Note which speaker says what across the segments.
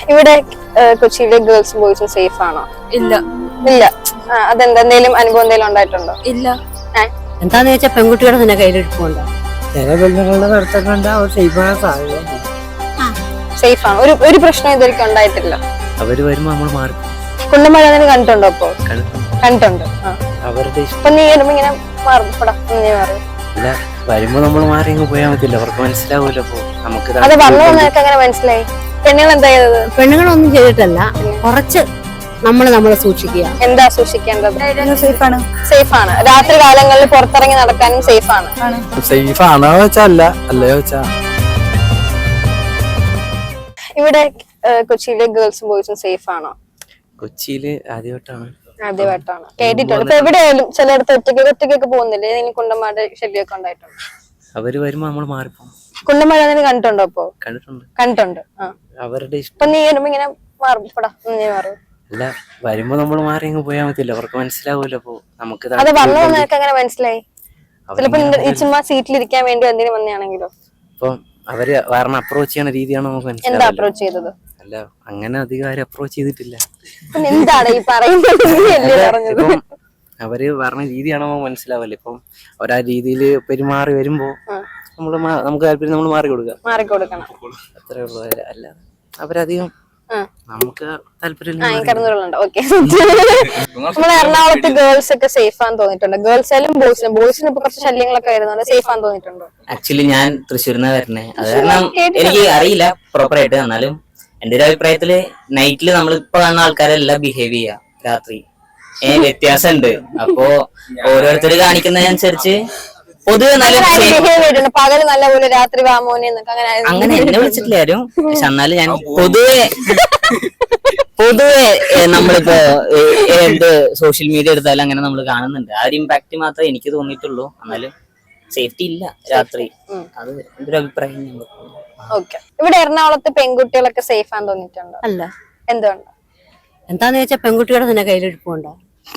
Speaker 1: ഇവിടെ കൊച്ചിയിലെ ഗേൾസും ബോയ്സും സേഫ് ആണോ?
Speaker 2: ഇല്ല.
Speaker 1: ഇല്ല. അതെന്താ, എന്തെങ്കിലും അനുഭവം എന്തെങ്കിലും ഉണ്ടായിട്ടുണ്ടോ?
Speaker 2: ഇല്ല.
Speaker 3: എന്താന്ന് വെച്ചാൽ പെൺകുട്ടികളുടെ തന്നെ കയ്യിലെടുപ്പുണ്ടോ?
Speaker 4: ചില പെണ്ണുങ്ങളുടെ നടത്തുന്നുണ്ട്, അവർ സേഫാണ് സാധ്യത.
Speaker 1: സേഫ് ആണ്. ഒരു പ്രശ്നം ഇതുവരെയ്ക്കും ഉണ്ടായിട്ടില്ല.
Speaker 4: അവര് വരുമ്പോ നമ്മൾ മാറി
Speaker 1: കുണ്ടമഴ കണ്ടിട്ടുണ്ടോ? അപ്പൊ കണ്ടിട്ടുണ്ട്.
Speaker 4: അവരുടെ
Speaker 1: ഇപ്പൊ നീ വരുമ്പോ ഇങ്ങനെ മാറും.
Speaker 4: ഇല്ല, വരുമ്പോ നമ്മൾ മാറി അങ്ങ് പോയാൽ മതില്ല, അവർക്ക് മനസ്സിലാവൂല്ലോ. അപ്പൊ നമുക്ക്
Speaker 1: അത് വന്നു നിനക്ക് അങ്ങനെ മനസ്സിലായി? പെണ്ണുങ്ങൾ എന്താ ചെയ്തത്?
Speaker 3: പെണ്ണുങ്ങളൊന്നും ചെയ്തിട്ടല്ല, കുറച്ച് നമ്മളെ സൂക്ഷിക്കുക.
Speaker 1: എന്താ സൂക്ഷിക്കേണ്ടത്?
Speaker 2: സേഫ് ആണ്.
Speaker 1: രാത്രി കാലങ്ങളിൽ പുറത്തിറങ്ങി നടക്കാനും സേഫ് ആണ്.
Speaker 4: സേഫ് ആണോ വെച്ചാ അല്ല, അല്ലയോ വെച്ചാ.
Speaker 1: ഇവിടെ കൊച്ചിയിലെ ഗേൾസും ബോയ്സും സേഫ് ആണോ?
Speaker 4: കൊച്ചിയില് ആദ്യമായിട്ടാണ്
Speaker 1: കേട്ടിട്ടുണ്ട്. ഇപ്പൊ എവിടെയായാലും ചിലയിടത്ത് ഒറ്റയ്ക്കൊക്കെ പോകുന്നില്ലേ? ഇനി കുണ്ടന്മാരുടെ ശല്യമൊക്കെ ഉണ്ടായിട്ടുണ്ട്.
Speaker 4: അവര് വരുമ്പോ നമ്മൾ മാറിപ്പോകും.
Speaker 1: കുണ്ടന്മാരെ കണ്ടിട്ടുണ്ടോ? അപ്പൊ കണ്ടിട്ടുണ്ട്.
Speaker 4: അവരുടെ
Speaker 1: ഇപ്പൊ നീ വരുമ്പോ ഇങ്ങനെ മാറും.
Speaker 4: അല്ല, വരുമ്പോ നമ്മൾ മാറി അങ്ങ് പോയാൽ മതില്ല, അവർക്ക് മനസ്സിലാവൂല്ലോ. അപ്പൊ നമുക്ക്
Speaker 1: അത് വന്നു നിനക്ക് അങ്ങനെ മനസ്സിലായി? ചിലപ്പോ ഈ ചുമ്മാ സീറ്റിലിരിക്കാൻ വേണ്ടി എന്തിനു വന്നെയാണെങ്കിലോ?
Speaker 4: ഇപ്പം അവര് കാരണം അപ്രോച്ച് ചെയ്യണ രീതിയാണ് നമുക്ക്
Speaker 1: എന്താ
Speaker 4: മനസ്സിലാവും.
Speaker 1: അപ്രോച്ച് ചെയ്തത്?
Speaker 4: അല്ല, അങ്ങനെ അധികം അപ്രോച്ച് ചെയ്തിട്ടില്ല.
Speaker 1: എന്താണ് ഈ പറയുന്നത്?
Speaker 4: ഇപ്പം അവര് പറഞ്ഞ രീതിയാണോ മനസ്സിലാവല്ലേ. ഇപ്പം അവരാ രീതിയിൽ പെരുമാറി വരുമ്പോ നമുക്ക് താല്പര്യം നമ്മൾ
Speaker 1: മാറിക്കൊടുക്കണം.
Speaker 4: അത്രേ ഉള്ളൂ. അല്ല, അവരധികം നമുക്ക് താല്പര്യം
Speaker 1: നമ്മളെ എറണാകുളത്ത് ഗേൾസ് ഒക്കെ സേഫ് ആണെന്ന് തോന്നിയിട്ടുണ്ട്? ഗേൾസായാലും ബോയ്സിനും ഇപ്പൊ കുറച്ച് ശല്യങ്ങളൊക്കെ വരുന്നുണ്ട്. സേഫ് ആണെന്ന് തോന്നിയിട്ടുണ്ടോ?
Speaker 5: ആക്ച്വലി ഞാൻ തൃശ്ശൂരിന്ന് വരണേ, അത് കാരണം എനിക്ക് അറിയില്ല പ്രോപ്പറായിട്ട്. എന്നാലും എന്റെ ഒരു അഭിപ്രായത്തില് നൈറ്റില് നമ്മളിപ്പോ കാണുന്ന ആൾക്കാരെല്ലാം ബിഹേവ് ചെയ്യാ, രാത്രി വ്യത്യാസമുണ്ട്. അപ്പോ ഓരോരുത്തർ കാണിക്കുന്നതിനനുസരിച്ച് പൊതുവെ നല്ല
Speaker 1: പകല് നല്ലപോലെ രാത്രി വാമോനെ
Speaker 5: അങ്ങനെ എന്നെ വിളിച്ചിട്ടില്ല ആരും. പക്ഷെ എന്നാലും ഞാൻ പൊതുവെ നമ്മളിപ്പോ എന്ത് സോഷ്യൽ മീഡിയ എടുത്താലും അങ്ങനെ നമ്മൾ കാണുന്നുണ്ട്. ആ ഒരു ഇമ്പാക്ട് മാത്രമേ എനിക്ക് തോന്നിയിട്ടുള്ളൂ. എന്നാലും സേഫ്റ്റി ഇല്ല രാത്രി, അത് എന്റെ ഒരു അഭിപ്രായം.
Speaker 1: ഇവിടെ എറണാകുളത്ത് പെൺകുട്ടികളൊക്കെ സേഫ് ആണെന്ന് തോന്നിയിട്ടുണ്ടോ?
Speaker 3: അല്ല.
Speaker 1: എന്തുകൊണ്ട്?
Speaker 3: എന്താന്ന് വെച്ചാൽ പെൺകുട്ടികളുടെ തന്നെ കയ്യിലെടുപ്പുണ്ടോ?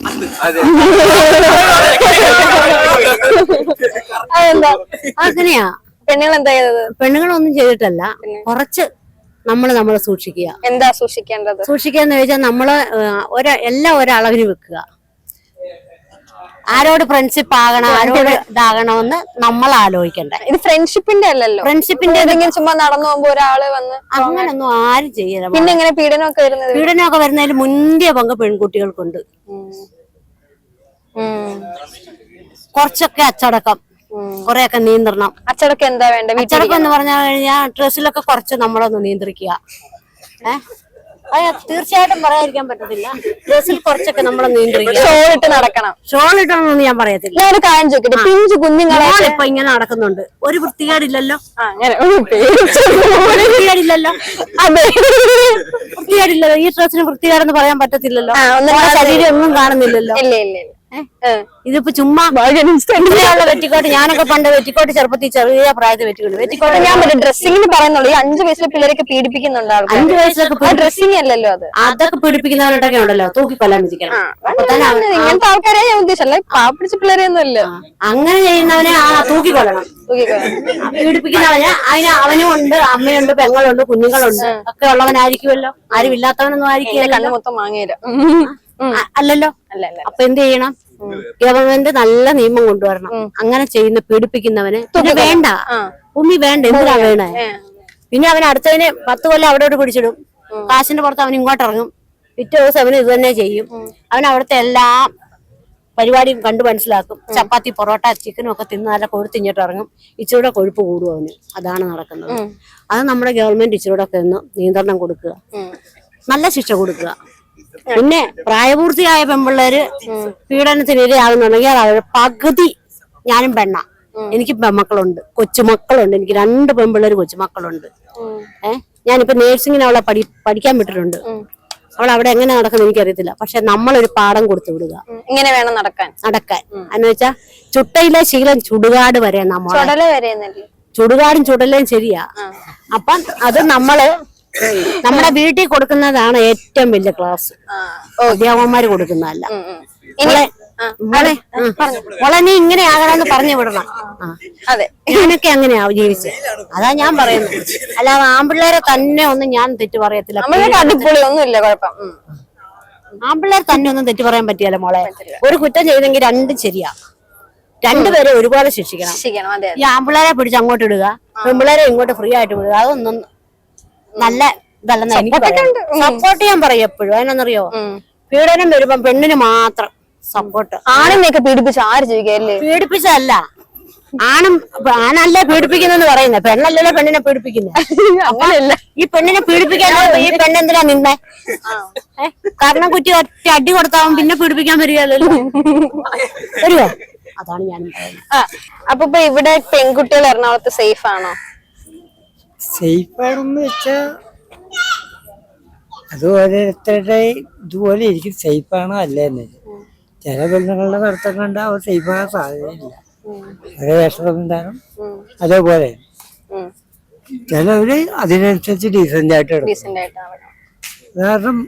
Speaker 3: അങ്ങനെയാ.
Speaker 1: പെണ്ണുങ്ങൾ എന്താ ചെയ്തത്?
Speaker 3: പെണ്ണുങ്ങളൊന്നും ചെയ്തിട്ടല്ല, കുറച്ച് നമ്മളെ സൂക്ഷിക്കുക.
Speaker 1: എന്താ സൂക്ഷിക്കേണ്ടത്?
Speaker 3: സൂക്ഷിക്കാന്ന് ചോദിച്ചാൽ എല്ലാം ഒരളവിന് വെക്കുക. ആരോട് ഫ്രണ്ട്ഷിപ്പ് ആകണം, ആരോട് ഇതാകണമെന്ന് നമ്മൾ ആലോചിക്കണ്ടേ.
Speaker 1: ഇത് ഫ്രണ്ട്ഷിപ്പിന്റെ അല്ലല്ലോ.
Speaker 3: ഫ്രണ്ട്ഷിപ്പിന്റെ
Speaker 1: ഏതെങ്കിലും ചുമ്മാ നടന്നു പോകുമ്പോ ഒരാള് വന്ന്
Speaker 3: അങ്ങനൊന്നും ആരും ചെയ്യണം.
Speaker 1: പിന്നെ എങ്ങനെ പീഡനമൊക്കെ
Speaker 3: വരുന്നതിൽ മുന്തിയ പങ്ക് പെൺകുട്ടികൾക്കുണ്ട്. കുറച്ചൊക്കെ അച്ചടക്കം, കൊറേയൊക്കെ നിയന്ത്രണം.
Speaker 1: അച്ചടക്കം എന്താ വേണ്ട?
Speaker 3: അച്ചടക്കം എന്ന് പറഞ്ഞു കഴിഞ്ഞാൽ ഡ്രസ്സിലൊക്കെ കുറച്ച് നമ്മളൊന്ന് നിയന്ത്രിക്കുക. തീർച്ചയായിട്ടും പറയാതിരിക്കാൻ പറ്റത്തില്ല. ഡ്രസ്സിൽ കുറച്ചൊക്കെ നമ്മളെ നിയന്ത്രിക്കുക.
Speaker 1: ഷോളിട്ട് നടക്കണം.
Speaker 3: ഷോളിട്ടണമെന്ന് ഞാൻ പറയത്തില്ല.
Speaker 1: ഒരു കാര്യം ചോദിക്കട്ടെ, പിഞ്ചു കുഞ്ഞുങ്ങളെ
Speaker 3: ഇപ്പൊ ഇങ്ങനെ നടക്കുന്നുണ്ട്, ഒരു വൃത്തികേടില്ലല്ലോ. വൃത്തികേടില്ലല്ലോ. വൃത്തികേടില്ലല്ലോ. ഈ ഡ്രസ്സിന് വൃത്തികേടെന്ന് പറയാൻ പറ്റത്തില്ലല്ലോ. ശരീരം ഒന്നും കാണുന്നില്ലല്ലോ. ഇതിപ്പോ ചുമ്മാ വെറ്റിക്കോട്ട്. ഞാനൊക്കെ പണ്ട് വെറ്റിക്കോട്ട് ചെറുപ്പത്തിൽ ചെറിയ പ്രായത്തിൽ വെറ്റിക്കോട്ട്
Speaker 1: ഞാൻ ഡ്രസ്സിംഗിന് പറയുന്നുള്ളൂ. ഈ 5 വയസ്സിലെ പിള്ളേരൊക്കെ പീഡിപ്പിക്കുന്നുണ്ട്.
Speaker 3: 5 വയസ്സിലൊക്കെ
Speaker 1: ഡ്രസ്സിംഗ് അല്ലല്ലോ അത്.
Speaker 3: അതൊക്കെ പീഡിപ്പിക്കുന്നവരോടൊക്കെ ഉണ്ടല്ലോ, തൂക്കിക്കൊല്ലാൻ വിധിക്കണം.
Speaker 1: ഇങ്ങനത്തെ ആൾക്കാരെ ഞാൻ ഉദ്ദേശിച്ചല്ലേ, പാപ്പിടിച്ച പിള്ളേരെയൊന്നും അല്ല.
Speaker 3: അങ്ങനെ ചെയ്യുന്നവനെ തൂക്കിക്കൊല്ലണം. പീഡിപ്പിക്കുന്നവന് അവനും ഉണ്ട്, അമ്മയുണ്ട്, പെങ്ങളുണ്ട്, കുഞ്ഞുങ്ങളുണ്ട്, ഒക്കെ ഉള്ളവനായിരിക്കുമല്ലോ. ആരും ഇല്ലാത്തവനൊന്നും ആയിരിക്കും.
Speaker 1: മൊത്തം വാങ്ങിയില്ല
Speaker 3: അല്ലല്ലോ. അപ്പൊ എന്ത് ചെയ്യണം? ഗവൺമെന്റ് നല്ല നിയമം കൊണ്ടുവരണം. അങ്ങനെ ചെയ്യുന്ന പീഡിപ്പിക്കുന്നവന് വേണ്ട, വേണ്ട. എന്തിനാ വേണേ? പിന്നെ അവൻ അടുത്തതിന് 10 കൊല്ലം അവിടെ പിടിച്ചിടും. കാശിന്റെ പുറത്ത് അവൻ ഇങ്ങോട്ട് ഇറങ്ങും. പിറ്റേ ദിവസം അവന് ഇത് തന്നെ ചെയ്യും. അവൻ അവിടുത്തെ എല്ലാ പരിപാടിയും കണ്ടു മനസ്സിലാക്കും. ചപ്പാത്തി, പൊറോട്ട, ചിക്കനും ഒക്കെ തിന്ന് നല്ല കൊഴുത്തിങ്ങോട്ട് ഇറങ്ങും. ഇച്ചിരൂടെ കൊഴുപ്പ് കൂടും അവന്. അതാണ് നടക്കുന്നത്. അത് നമ്മുടെ ഗവൺമെന്റ് ഇച്ചിരൂടെ ഒക്കെ ഒന്ന് നിയന്ത്രണം കൊടുക്കുക, നല്ല ശിക്ഷ കൊടുക്കുക. പിന്നെ പ്രായപൂർത്തിയായ പെൺപിള്ളേര് പീഡനത്തിന് ഇരയാകുന്നുണ്ടെങ്കിൽ അവരുടെ പകുതി, ഞാനും പെണ്ണ, എനിക്ക് പെൺമക്കളുണ്ട്, കൊച്ചുമക്കളുണ്ട്. എനിക്ക് 2 പെൺപിള്ളേര് കൊച്ചുമക്കളുണ്ട്. ഞാനിപ്പോ നേഴ്സിങ്ങിന് അവളെ പഠിക്കാൻ വിട്ടിട്ടുണ്ട്. അവൾ അവിടെ എങ്ങനെ നടക്കുന്നത് എനിക്കറിയത്തില്ല. പക്ഷെ നമ്മളൊരു പാഠം കൊടുത്തു വിടുക,
Speaker 1: ഇങ്ങനെ വേണം നടക്കാൻ.
Speaker 3: എന്ന് വെച്ചാ ചുട്ടയിലെ ശീലം ചുടുകാട് വരെ ചുടുകാടും ചുടലേം ശരിയാ. അപ്പം അത് നമ്മുടെ വീട്ടിൽ കൊടുക്കുന്നതാണ് ഏറ്റവും വലിയ ക്ലാസ്. അധ്യാപകന്മാര് കൊടുക്കുന്നതല്ല. മോളെ മോളെ നീ ഇങ്ങനെ ആകണമെന്ന് പറഞ്ഞു വിടണം.
Speaker 1: അതെ,
Speaker 3: ഞാനൊക്കെ അങ്ങനെയാ ജീവിച്ചത്. അതാ ഞാൻ പറയുന്നത്. അല്ലാതെ ആൺപിള്ളേരെ തന്നെ ഒന്നും ഞാൻ തെറ്റ് പറയത്തില്ല.
Speaker 1: നമ്മളൊക്കെ അടിപൊളി ഒന്നും ഇല്ല, കുഴപ്പം.
Speaker 3: ആൺപിള്ളേർ തന്നെ ഒന്നും തെറ്റ് പറയാൻ പറ്റിയല്ല മോളെ. ഒരു കുറ്റം ചെയ്തെങ്കിൽ രണ്ടും ശരിയാ. രണ്ടുപേരെ ഒരുപോലെ ശിക്ഷിക്കണം.
Speaker 1: ശരിക്കണം, അതെ.
Speaker 3: ഈ ആൺപിള്ളേരെ പിടിച്ച് അങ്ങോട്ട് ഇടുക, പെൺപിള്ളേരെ ഇങ്ങോട്ട് ഫ്രീ ആയിട്ട് വിടുക, അതൊന്നും നല്ല ഇതല്ലെന്ന് എനിക്ക് സപ്പോർട്ട് ചെയ്യാൻ പറയും എപ്പോഴും. അതിനൊന്നറിയോ, പീഡനം വരുമ്പോ പെണ്ണിന് മാത്രം സപ്പോർട്ട്.
Speaker 1: ആണിനെയൊക്കെ പീഡിപ്പിച്ച് ആര് ജീവിക്കല്ലേ?
Speaker 3: പീഡിപ്പിച്ചതല്ല, ആണല്ലേ പീഡിപ്പിക്കുന്നെന്ന് പറയുന്നത്, പെണ്ണല്ലല്ലോ പെണ്ണിനെ പീഡിപ്പിക്കുന്നത്.
Speaker 1: അങ്ങനെയല്ല,
Speaker 3: ഈ പെണ്ണിനെ പീഡിപ്പിക്കാൻ ഈ പെണ്ണെന്തിനാ നിന്നേ? കാരണം കുറ്റി ഒറ്റ അടി കൊടുത്താവും പിന്നെ പീഡിപ്പിക്കാൻ വരികയല്ലോ. വരുവോ? അതാണ് ഞാൻ പറയുന്നത്.
Speaker 1: അപ്പൊ ഇപ്പൊ ഇവിടെ പെൺകുട്ടികൾ എറണാകുളത്ത് സേഫ് ആണോ?
Speaker 2: സേഫ് ആണെന്ന് വെച്ചാ അത് ഓരോരുത്തരുടെ ഇതുപോലെ ഇരിക്കും. സേഫ് ആണോ അല്ലേന്ന് ചില പെണ്ണുങ്ങളുടെ നടത്തം കണ്ടാൽ അവർ സേഫ് ആകാൻ സാധ്യതയില്ല. അവരെ വേഷസംവിധാനം അതേപോലെ ചിലവര് അതിനനുസരിച്ച് ഡീസന്റ് ആയിട്ട് എടുക്കും. കാരണം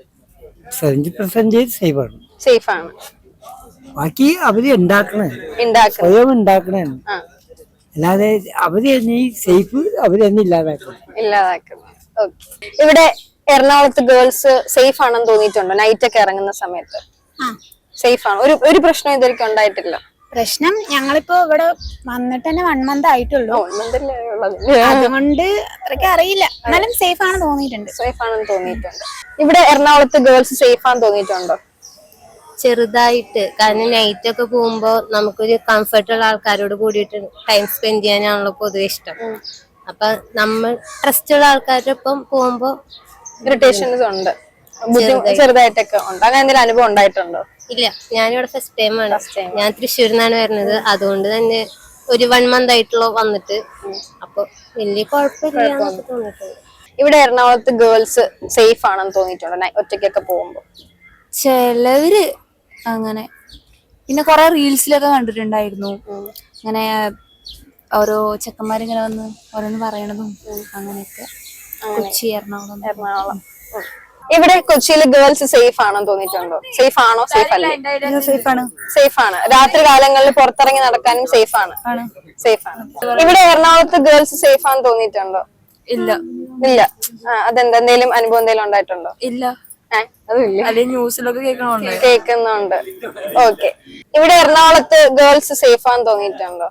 Speaker 2: 70% സേഫ് ആണ്. ബാക്കി അവര് ഉണ്ടാക്കണേ, സ്വയം ഉണ്ടാക്കണേ. അല്ലാതെ അവര് തന്നെ ഈ സേഫ് അവര് തന്നെ ഇല്ലാതാക്കണം.
Speaker 1: ഇവിടെ എറണാകുളത്ത് ഗേൾസ് സേഫ് ആണെന്ന് തോന്നിയിട്ടുണ്ടോ? നൈറ്റ് ഒക്കെ ഇറങ്ങുന്ന സമയത്ത് സേഫ് ആണ്? ഒരു പ്രശ്നം ഇതുവരെയ്ക്കും ഉണ്ടായിട്ടില്ല.
Speaker 2: പ്രശ്നം ഞങ്ങളിപ്പോ ഇവിടെ വന്നിട്ട് തന്നെ 1 month ആയിട്ടുള്ളൂ. അതുകൊണ്ട് അത്രയ്ക്ക് അറിയില്ല. എന്നാലും സേഫ് ആണെന്ന് തോന്നിയിട്ടുണ്ട്.
Speaker 1: സേഫ് ആണെന്ന് തോന്നിയിട്ടുണ്ട്. ഇവിടെ എറണാകുളത്ത് ഗേൾസ് സേഫ് ആണെന്ന് തോന്നിയിട്ടുണ്ടോ?
Speaker 6: ചെറുതായിട്ട്. കാരണം നൈറ്റ് ഒക്കെ പോകുമ്പോ നമുക്കൊരു കംഫർട്ടുള്ള ആൾക്കാരോട് കൂടിയിട്ട് ടൈം സ്പെൻഡ് ചെയ്യാനാണല്ലോ പൊതുവെ ഇഷ്ടം. അപ്പൊ നമ്മൾ ട്രസ്റ്റ് ഉള്ള ആൾക്കാരുടെ ഒപ്പം പോകുമ്പോ
Speaker 1: ഇറിറ്റേഷൻസ് ഉണ്ട്, ചെറുതായിട്ടൊക്കെ ഉണ്ട്. അങ്ങനെ എന്തെങ്കിലും അനുഭവം ഉണ്ടായിട്ടുണ്ടോ?
Speaker 6: ഇല്ല, ഞാനിവിടെ ഫസ്റ്റ് ടൈം ആണ്. ഞാൻ തൃശ്ശൂരിൽ നിന്നാണ് വരുന്നത്. അതുകൊണ്ട് തന്നെ ഒരു 1 month ആയിട്ടുള്ള വന്നിട്ട്. അപ്പൊ വലിയ കുഴപ്പമില്ല തോന്നിയിട്ടുണ്ട്.
Speaker 1: ഇവിടെ എറണാകുളത്ത് ഗേൾസ് സേഫ് ആണെന്ന് തോന്നിയിട്ടുണ്ടോ ഒറ്റയ്ക്കൊക്കെ പോകുമ്പോ?
Speaker 2: ചിലവര് അങ്ങനെ. പിന്നെ കൊറേ റീൽസിലൊക്കെ കണ്ടിട്ടുണ്ടായിരുന്നു ഇങ്ങനെ ഓരോ ചെക്കന്മാരിങ്ങനെ വന്ന് ഓരോന്ന് പറയണതും അങ്ങനെയൊക്കെ. കൊച്ചി, എറണാകുളം.
Speaker 1: ഇവിടെ കൊച്ചിയിൽ ഗേൾസ് സേഫ് ആണെന്ന് തോന്നിയിട്ടുണ്ടോ? സേഫ് ആണോ? സേഫ് അല്ലേ? സേഫ് ആണ്. രാത്രി കാലങ്ങളിൽ പുറത്തിറങ്ങി നടക്കാനും സേഫ് ആണ്. ഇവിടെ എറണാകുളത്ത് ഗേൾസ് സേഫ് ആണെന്ന് തോന്നിയിട്ടുണ്ടോ?
Speaker 2: ഇല്ല.
Speaker 1: അതെന്താ, എന്തെങ്കിലും അനുഭവം എന്തെങ്കിലും ഉണ്ടായിട്ടുണ്ടോ?
Speaker 2: ഇല്ല.
Speaker 1: ന്യൂസിലൊക്കെ കേൾക്കുന്നുണ്ട്. ഓക്കെ. ഇവിടെ എറണാകുളത്ത് ഗേൾസ് സേഫ് ആണെന്ന് തോന്നിയിട്ടുണ്ടോ?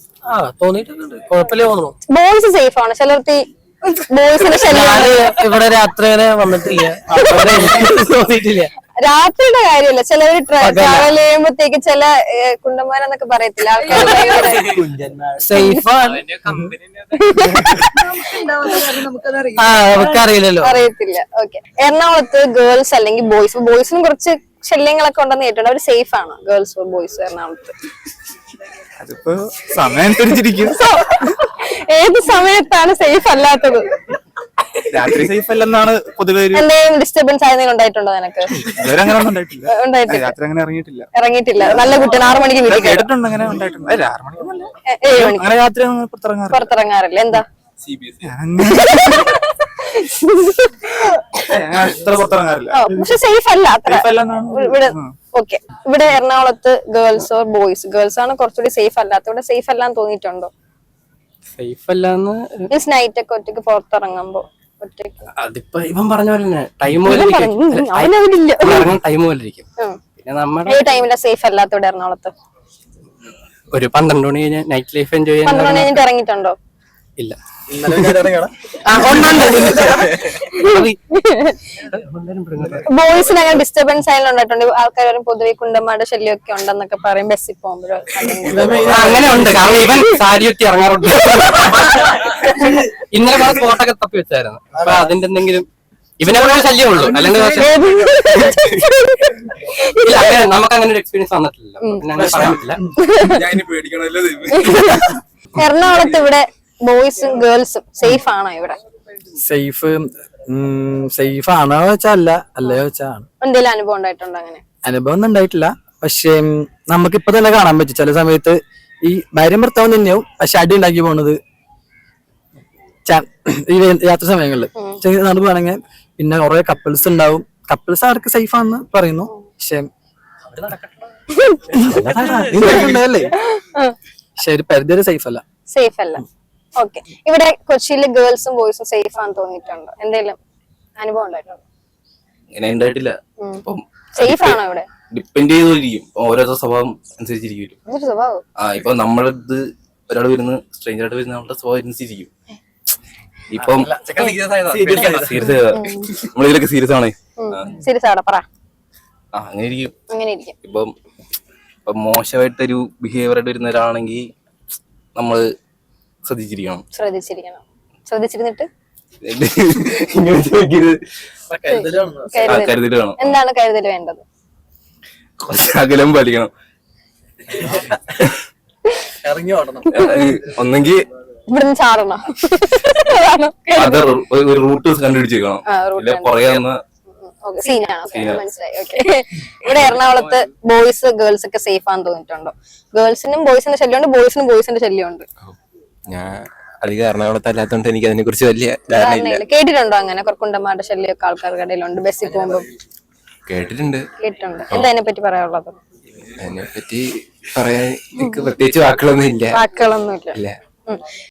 Speaker 1: ബോയ്സ് സേഫ് ആണ്. ചിലർക്ക് ബോയ്സിന്റെ ശല്യം
Speaker 4: ഇവിടെ രാത്രി വന്നിട്ടില്ല, തോന്നിയിട്ടില്ല.
Speaker 1: രാത്രിയുടെ കാര്യമല്ല, ചിലവര് ട്രാവൽ ചെയ്യുമ്പോഴത്തേക്ക് ചില കുണ്ടന്മാരെന്നൊക്കെ പറയത്തില്ല ആൾക്കാർ
Speaker 4: നമുക്കറിയില്ലല്ലോ,
Speaker 1: അറിയത്തില്ല. ഓക്കെ. എറണാകുളത്ത് ഗേൾസ് അല്ലെങ്കിൽ ബോയ്സിനും കുറച്ച് ശല്യങ്ങളൊക്കെ ഉണ്ടെന്ന് കേട്ടോ. അവര് സേഫ് ആണോ ഗേൾസ് ബോയ്സ് എറണാകുളത്ത്?
Speaker 7: അതിപ്പോ സമയം അനുസരിച്ചിരിക്കും.
Speaker 1: ഏത് സമയത്താണ് സേഫ് അല്ലാത്തത്?
Speaker 7: രാത്രി സേഫ് അല്ലെന്നാണ് പൊതുവെ.
Speaker 1: എന്തെങ്കിലും ഡിസ്റ്റർബൻസ് ആയതെങ്കിലും ഉണ്ടായിട്ടുണ്ടോ നിനക്ക്?
Speaker 7: ഇതുവരെ അങ്ങനെ ഒന്നും ഉണ്ടായിട്ടില്ല. രാത്രി അങ്ങനെ
Speaker 1: ഇറങ്ങിയിട്ടില്ല. നല്ല കുട്ടിയാണ്. 6 മണിക്ക് വീട്ടിൽ
Speaker 7: കേട്ടിട്ടുണ്ട്. അങ്ങനെ ഉണ്ടായിട്ടുണ്ട്. 6 മണിക്ക്
Speaker 1: 7 മണിക്ക്
Speaker 7: അങ്ങനെ രാത്രി
Speaker 1: പുറത്തിറങ്ങാറില്ല. എന്താ
Speaker 7: പുറത്തിറങ്ങാറില്ല.
Speaker 1: പക്ഷെ സേഫ് അല്ല അത്ര ഇവിടെ. ഓക്കെ. ഇവിടെ എറണാകുളത്ത് ഗേൾസ് ഓർ ബോയ്സ്, ഗേൾസ് ആണ് കുറച്ചുകൂടി സേഫ് അല്ലാത്ത. ഇവിടെ സേഫ് അല്ലാന്ന് തോന്നിയിട്ടുണ്ടോ?
Speaker 4: സേഫ് അല്ലാന്ന്
Speaker 1: മീൻസ് നൈറ്റ് ഒക്കെ ഒറ്റയ്ക്ക് പുറത്തിറങ്ങുമ്പോ ഒറ്റയ്ക്ക്.
Speaker 4: അതിപ്പോ ഇവൻ പറഞ്ഞ പോലെ ടൈം പോലെ ഇരിക്കും. പിന്നെ നമ്മുടെ
Speaker 1: ടൈമില്ല സേഫ് അല്ലാത്ത ഇവിടെ എറണാകുളത്ത്.
Speaker 4: ഒരു 12 മണി കഴിഞ്ഞാൽ നൈറ്റ് ലൈഫ് എൻജോയ് ചെയ്യാൻ.
Speaker 1: 12 മണി കഴിഞ്ഞിട്ട് ഇറങ്ങിയിട്ടുണ്ടോ?
Speaker 4: ഇല്ല.
Speaker 1: ബോയ്സിന് അങ്ങനെ ഡിസ്റ്റർബൻസ് ആയാലും ഉണ്ടായിട്ടുണ്ട്. ആൾക്കാർ പൊതുവെ കുണ്ടന്മാരുടെ ശല്യം ഒക്കെ ഉണ്ടെന്നൊക്കെ പറയും ബസ്സിൽ പോകുമ്പോഴോ.
Speaker 4: അങ്ങനെ ഉണ്ട്. കാരണം ഇവൻ സാരി ഒറ്റി ഇറങ്ങാറുണ്ട്. ഇന്നലെ ഫോട്ടോക്കെ തപ്പി വെച്ചായിരുന്നു. അപ്പൊ അതിന്റെ എന്തെങ്കിലും ഇവനെ ശല്യം ഉള്ളൂ. അല്ലെങ്കിൽ നമുക്ക് അങ്ങനെ ഒരു എക്സ്പീരിയൻസ് വന്നിട്ടില്ല. പിന്നെ അങ്ങനെ പറയാൻ പറ്റില്ല.
Speaker 1: എറണാകുളത്ത് ഇവിടെ ബോയ്സും ഗേൾസും സേഫ് ആണോ? ഇവിടെ
Speaker 8: സേഫ് ആണോ വെച്ചാ അല്ലയോ വെച്ചാണ്.
Speaker 1: എന്തെങ്കിലും അനുഭവം ഉണ്ടായിട്ടുണ്ടോ? അങ്ങനെ
Speaker 8: അനുഭവം ഒന്നും ഉണ്ടായിട്ടില്ല. പക്ഷെ നമുക്കിപ്പോ തന്നെ കാണാൻ പറ്റും ചില സമയത്ത് ഈ ഭാര്യയും ഭർത്താവും തന്നെയാവും, പക്ഷെ അടി ഉണ്ടാക്കി പോണത് ഈ യാത്ര സമയങ്ങളില് നടക്കുകയാണെങ്കിൽ. പിന്നെ കുറെ കപ്പിൾസ് ഉണ്ടാവും. കപ്പിൾസ് അവർക്ക് സേഫ് ആണെന്ന് പറയുന്നു, പക്ഷെ അല്ലേ പക്ഷെ ഒരു പരിധി വരെ സേഫ് അല്ല.
Speaker 1: സേഫ് അല്ല. ഓക്കെ, ഇവിടെ കൊച്ചിയില് ഗേൾസും ബോയ്സും സേഫ് ആണെന്ന് തോന്നിയിട്ടുണ്ടോ? എന്തെങ്കിലും അനുഭവം ഉണ്ടായിട്ടുണ്ടോ?
Speaker 9: അങ്ങനെ ഉണ്ടായിട്ടില്ല.
Speaker 1: സേഫ് ആണോ ഇവിടെ?
Speaker 9: ഡിപ്പെൻഡ് ചെയ്തിരിക്കും, ഓരോരോ സ്വഭാവം അനുസരിച്ചിരിക്കും.
Speaker 1: എന്തൊരു സ്വഭാവം?
Speaker 9: ഇപ്പൊ നമ്മളത് ഒരാൾ വരുന്ന സ്ട്രേഞ്ചർ ആയിട്ട് വരുന്ന നമ്മുടെ സ്വഭാവം അനുസരിച്ചിരിക്കും. ഇപ്പം നമ്മളിതിലൊക്കെ സീരിയസ് ആണ്.
Speaker 1: സീരിയസ് ആണോ? പറ.
Speaker 9: അങ്ങനെ ഇരിക്കും.
Speaker 1: അങ്ങനെ ഇരിക്കും.
Speaker 9: ഇപ്പം മോശമായിട്ടൊരു ബിഹേവിയർ ആയിട്ട് വരുന്ന ഒരാളാണെങ്കിൽ നമ്മള് ശ്രദ്ധിച്ചിരിക്കണം.
Speaker 1: ശ്രദ്ധിച്ചിരുന്നിട്ട്
Speaker 9: കരുതൽ വേണം.
Speaker 1: എന്താണ് കരുതൽ വേണ്ടത്?
Speaker 9: കുറച്ച് അകലം പാലിക്കണം.
Speaker 8: ഇറങ്ങി ഓടണം.
Speaker 9: ഒന്നെങ്കിൽ
Speaker 1: ഇവിടുന്ന് ചാടണം.
Speaker 9: അത് ഒരു റൂട്ട് കണ്ടുപിടിച്ചേക്കണം. പറയാവുന്ന
Speaker 1: സീനാണോ? മനസ്സിലായി. ഓക്കെ, ഇവിടെ എറണാകുളത്ത് ബോയ്സ് ഗേൾസ് ഒക്കെ സേഫ് ആണെന്ന് തോന്നിയിട്ടുണ്ടോ? ഗേൾസിനും ബോയ്സിന്റെ ശല്യമുണ്ട്, ബോയ്സിനും ബോയ്സിന്റെ ശല്യമുണ്ട്.
Speaker 10: ഞാൻ അധികം എറണാകുളത്ത് അല്ലാത്തതുകൊണ്ട് എനിക്ക് അതിനെ കുറിച്ച് വലിയ ധാരണയില്ല.
Speaker 1: കേട്ടിട്ടുണ്ടോ അങ്ങനെ കുറക്കുണ്ടന്മാരുടെ ശല്യമൊക്കെ ആൾക്കാരുടെ ഇടയിലുണ്ട് ബസ്സിൽ പോകുമ്പോ?
Speaker 10: കേട്ടിട്ടുണ്ട്.
Speaker 1: എന്താ അതിനെ പറ്റി പറയാനുള്ളത്?
Speaker 10: അതിനെ പറ്റി പറയാൻ എനിക്ക് പ്രത്യേകിച്ച് വാക്കുകളൊന്നും ഇല്ല.
Speaker 1: വാക്കുകളൊന്നും ഇല്ല.